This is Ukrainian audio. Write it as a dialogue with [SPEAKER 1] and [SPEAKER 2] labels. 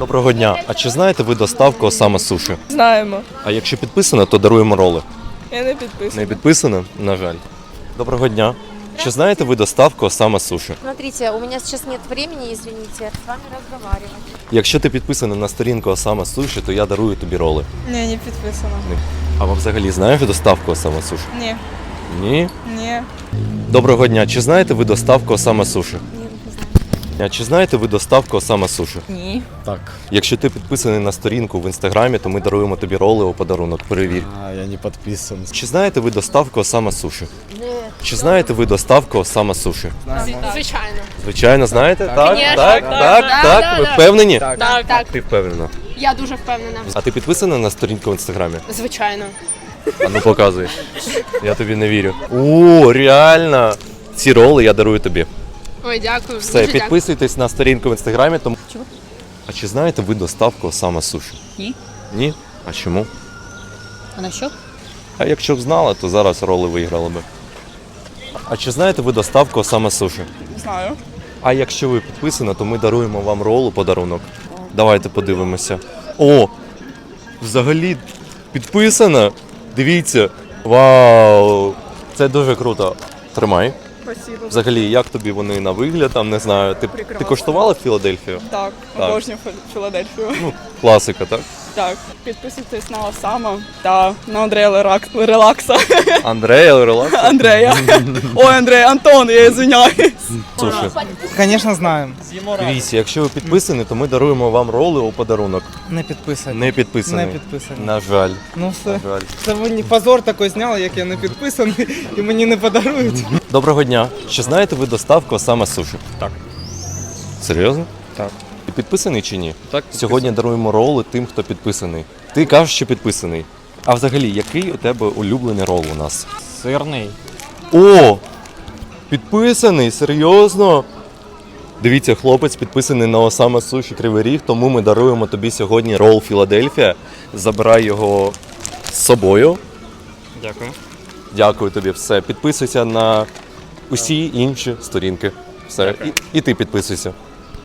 [SPEAKER 1] Доброго дня. А чи знаєте ви доставку Осама Суші?
[SPEAKER 2] Знаємо.
[SPEAKER 1] А якщо підписано, то даруємо роли.
[SPEAKER 2] Я не підписана.
[SPEAKER 1] Не підписано? На жаль. Доброго дня. Чи знаєте ви доставку Осама Суші?
[SPEAKER 3] Смотрите, у меня сейчас нет времени, извините, с вами разговаривать.
[SPEAKER 1] Якщо ти підписаний на сторінку Осама Суші, то я дарую тобі роли.
[SPEAKER 2] Ні, не підписана.
[SPEAKER 1] А ви взагалі знаєте доставку Осама Суші?
[SPEAKER 2] Ні.
[SPEAKER 1] Ні?
[SPEAKER 2] Ні.
[SPEAKER 1] Доброго дня. Чи знаєте ви доставку Осама Суші?
[SPEAKER 3] Ні, не знаю.
[SPEAKER 1] А чи знаєте ви доставку Осама Суші?
[SPEAKER 2] Ні.
[SPEAKER 4] Так.
[SPEAKER 1] Якщо ти підписаний на сторінку в інстаграмі, то ми даруємо тобі роли у подарунок. Перевір.
[SPEAKER 4] Я не подписан.
[SPEAKER 1] Чи знаєте ви доставку Осама Суші?
[SPEAKER 3] Ні.
[SPEAKER 1] Чи знаєте ви доставку Осама Суші?
[SPEAKER 5] Звичайно.
[SPEAKER 1] Звичайно, знаєте? Так,
[SPEAKER 5] Конечно,
[SPEAKER 1] так,
[SPEAKER 5] так,
[SPEAKER 1] так. Ви впевнені?
[SPEAKER 5] Так.
[SPEAKER 1] Ти впевнена.
[SPEAKER 5] Я дуже впевнена.
[SPEAKER 1] А ти підписана на сторінку в інстаграмі?
[SPEAKER 5] Звичайно.
[SPEAKER 1] А ну показуй. Я тобі не вірю. О, реально! Ці роли я дарую тобі.
[SPEAKER 5] Ой, дякую.
[SPEAKER 1] Все,
[SPEAKER 5] дуже
[SPEAKER 1] підписуйтесь на сторінку в інстаграмі. Тому... А чи знаєте ви доставку Осама Суші?
[SPEAKER 6] Ні.
[SPEAKER 1] Ні? А чому?
[SPEAKER 6] А на що?
[SPEAKER 1] А якщо б знала, то зараз роли виграли би. А чи знаєте ви доставку Осама Суші?
[SPEAKER 2] Знаю.
[SPEAKER 1] А якщо ви підписані, то ми даруємо вам ролу подарунок. Давайте подивимося. О! Взагалі підписана. Дивіться. Вау! Це дуже круто. Тримай.
[SPEAKER 2] Спасибо.
[SPEAKER 1] Взагалі, як тобі вони на вигляд, там не знаю. Ти
[SPEAKER 2] Прекрасно.
[SPEAKER 1] коштувала Філадельфію?
[SPEAKER 2] Так,
[SPEAKER 1] Так.
[SPEAKER 2] обожнюю Філадельфію.
[SPEAKER 1] Ну, класика, так?
[SPEAKER 2] Так, підписуйтесь на Осама та на Андрея Релакса.
[SPEAKER 1] Андрея, релакс.
[SPEAKER 2] Андрея. Ой, Андрей, Антон, я извиняюсь.
[SPEAKER 1] Слушай,
[SPEAKER 7] Конечно, знаємо.
[SPEAKER 1] дивіться, якщо ви підписані, то ми даруємо вам роли у подарунок.
[SPEAKER 7] Не підписані.
[SPEAKER 1] Не підписані.
[SPEAKER 7] Не підписані.
[SPEAKER 1] На жаль.
[SPEAKER 7] Ну все.
[SPEAKER 1] На жаль.
[SPEAKER 7] Це мені позор такий зняли, як я не підписаний, і мені не подарують.
[SPEAKER 1] Доброго дня. Чи знаєте ви доставку Осама Суші?
[SPEAKER 4] Так.
[SPEAKER 1] Серйозно?
[SPEAKER 4] Так.
[SPEAKER 1] Ти підписаний чи ні?
[SPEAKER 4] Так.
[SPEAKER 1] Сьогодні даруємо роли тим, хто підписаний. Ти кажеш, що підписаний. А взагалі, який у тебе улюблений рол у нас?
[SPEAKER 4] Сирний.
[SPEAKER 1] О! Підписаний, серйозно? Дивіться, хлопець підписаний на Осама Суші Кривий Ріг, тому ми даруємо тобі сьогодні рол Філадельфія. Забирай його з собою.
[SPEAKER 4] Дякую.
[SPEAKER 1] Дякую тобі, все. Підписуйся на усі інші сторінки. Все. І ти підписуйся.